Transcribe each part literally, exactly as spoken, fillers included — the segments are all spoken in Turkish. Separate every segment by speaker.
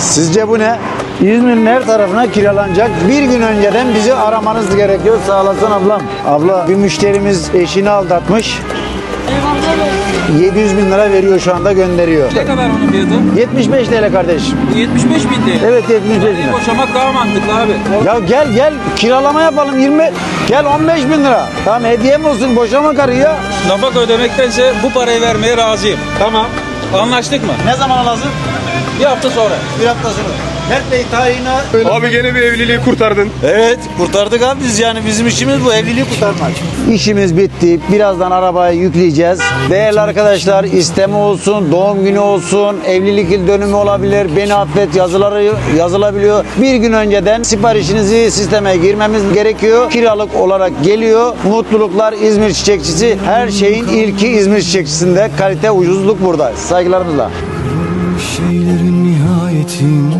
Speaker 1: Sizce bu ne? İzmir'in her tarafına kiralanacak. Bir gün önceden bizi aramanız gerekiyor. Sağ olasın ablam. Abla bir müşterimiz eşini aldatmış. yedi yüz bin lira veriyor şu anda, gönderiyor.
Speaker 2: Ne kadar onun fiyatı?
Speaker 1: yetmiş beş T L kardeşim.
Speaker 2: yetmiş beş bin değil.
Speaker 1: Evet, yetmiş beş bin lira.
Speaker 2: Boşamak daha mantıklı abi.
Speaker 1: Ya gel gel kiralama yapalım, yirmi gel on beş bin lira. Tamam, hediyem olsun, boşama karıyı ya.
Speaker 2: Nafaka ödemektense bu parayı vermeye razıyım.
Speaker 1: Tamam.
Speaker 2: Anlaştık mı?
Speaker 1: Ne zaman lazım?
Speaker 2: Bir hafta sonra.
Speaker 1: Bir hafta sonra. Mert Bey tayine...
Speaker 3: Abi gene bir evliliği kurtardın.
Speaker 1: Evet, kurtardık abi biz, yani bizim işimiz bu, evliliği kurtarmak. İşimiz bitti. Birazdan arabayı yükleyeceğiz. Değerli arkadaşlar, isteme olsun, doğum günü olsun, evlilik yıl dönümü olabilir, beni affet yazıları yazılabiliyor. Bir gün önceden siparişinizi sisteme girmemiz gerekiyor. Kiralık olarak geliyor. Mutluluklar İzmir Çiçekçisi. Her şeyin ilki İzmir Çiçekçisi'nde. Kalite, ucuzluk burada. Saygılarımızla.
Speaker 4: Şeylerin nihayetinde,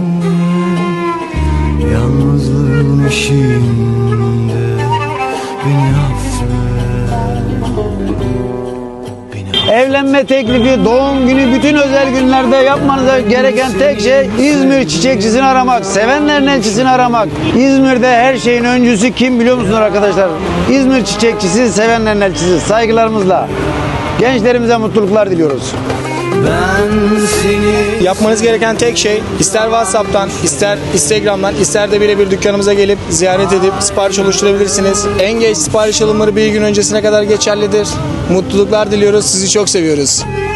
Speaker 4: yalnızlığın eşiğinde beni affet, beni
Speaker 1: Evlenme teklifi, doğum günü, bütün özel günlerde yapmanıza gereken tek şey İzmir Çiçekçisini aramak, sevenlerin elçisini aramak. İzmir'de her şeyin öncüsü kim biliyor musunuz arkadaşlar? İzmir Çiçekçisi, sevenlerin elçisi. Saygılarımızla gençlerimize mutluluklar diliyoruz.
Speaker 4: ben seni
Speaker 5: Yapmanız gereken tek şey, ister WhatsApp'tan, ister Instagram'dan, ister de birebir dükkanımıza gelip ziyaret edip sipariş oluşturabilirsiniz. En geç sipariş alımları bir gün öncesine kadar geçerlidir. Mutluluklar diliyoruz, sizi çok seviyoruz.